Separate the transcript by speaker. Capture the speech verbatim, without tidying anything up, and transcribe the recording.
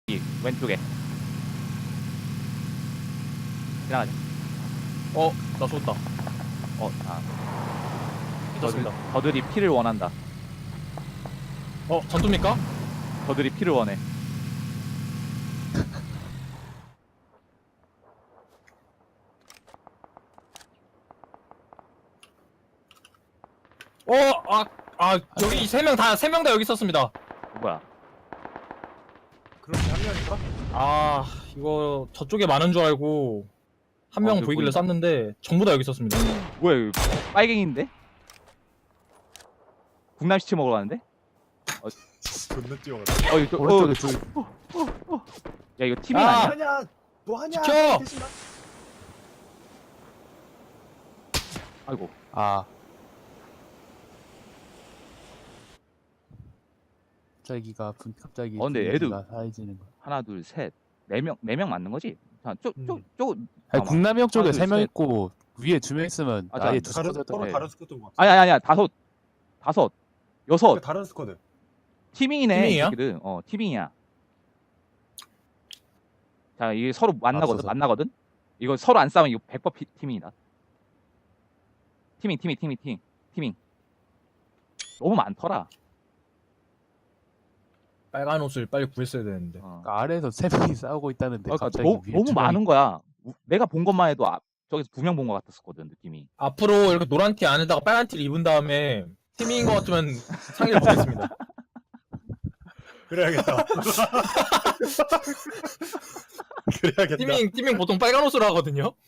Speaker 1: 이 왼쪽에 지나가자.
Speaker 2: 어, 나 쏜다.
Speaker 1: 어, 아,
Speaker 2: 괜찮습니다.
Speaker 1: 저들이 피를 원한다.
Speaker 2: 어, 전투입니까?
Speaker 1: 저들이 피를 원해.
Speaker 2: 어, 아, 아, 여기 세 명 다, 세 명 다 여기 있었습니다.
Speaker 1: 뭐야?
Speaker 3: 그럼 한 명인가?
Speaker 2: 아, 이거 저쪽에 많은 줄 알고 한
Speaker 1: 어,
Speaker 2: 명
Speaker 1: 여기
Speaker 2: 보이길래
Speaker 1: 보인다.
Speaker 2: 쐈는데 전부 다 여기 있었습니다.
Speaker 1: 뭐야, 이거 빨갱인데? 국남시치 먹으러 가는데?
Speaker 3: 존나 뛰어가다.
Speaker 1: 어, 이거 또, 어,
Speaker 4: 오른쪽에 둘.
Speaker 1: 야, 이거 팀이
Speaker 2: 아!
Speaker 1: 아니야?
Speaker 3: 뭐하냐? 뭐하냐?
Speaker 2: 지켜!
Speaker 3: 대신 나-
Speaker 1: 아이고,
Speaker 4: 아. 갑자기가 분 갑자기
Speaker 1: 어, 근데
Speaker 4: 분위기가 하얘지는 거.
Speaker 1: 하나, 둘, 셋, 네 명, 네 명 맞는 거지? 자, 쪽, 쪽,
Speaker 3: 음.
Speaker 1: 쪽,
Speaker 4: 아니
Speaker 1: 잠깐만.
Speaker 4: 국남형 쪽에
Speaker 1: 하나, 둘,
Speaker 4: 세 명
Speaker 1: 셋.
Speaker 4: 있고 위에 두 명 있으면
Speaker 1: 아,
Speaker 4: 아예
Speaker 1: 자,
Speaker 4: 두
Speaker 3: 다른
Speaker 4: 스쿼드
Speaker 3: 서로
Speaker 1: 네.
Speaker 3: 다른 스쿼드인 것 같아.
Speaker 1: 아니, 아니, 아니야. 다섯, 다섯, 여섯.
Speaker 3: 그 다른 스쿼드.
Speaker 1: 티밍이네.
Speaker 2: 티밍이야?
Speaker 1: 이 새끼들. 어, 티밍이야. 자, 이게 서로 만나거든,
Speaker 4: 앞서서.
Speaker 1: 만나거든? 이거 서로 안 싸우면 이거 백 번 피, 티밍이다. 티밍, 티밍, 티밍, 티밍, 티밍. 너무 많더라.
Speaker 2: 빨간 옷을 빨리 구했어야 되는데.
Speaker 1: 어.
Speaker 4: 그러니까 아래에서 세 명이 싸우고 있다는데
Speaker 1: 그러니까
Speaker 4: 갑자기
Speaker 1: 너무,
Speaker 4: 위에
Speaker 1: 너무
Speaker 4: 두
Speaker 1: 많은
Speaker 4: 명이-
Speaker 1: 거야. 우- 내가 본 것만 해도 아, 저기서 두 명 본 것 같았었거든, 느낌이.
Speaker 2: 앞으로 이렇게 노란 티 안에다가 빨간 티를 입은 다음에 팀인 것 같으면 상의를 보겠습니다.
Speaker 3: 그래야겠다. 그래야겠다.
Speaker 2: 팀ing, 팀ing 보통 빨간 옷으로 하거든요.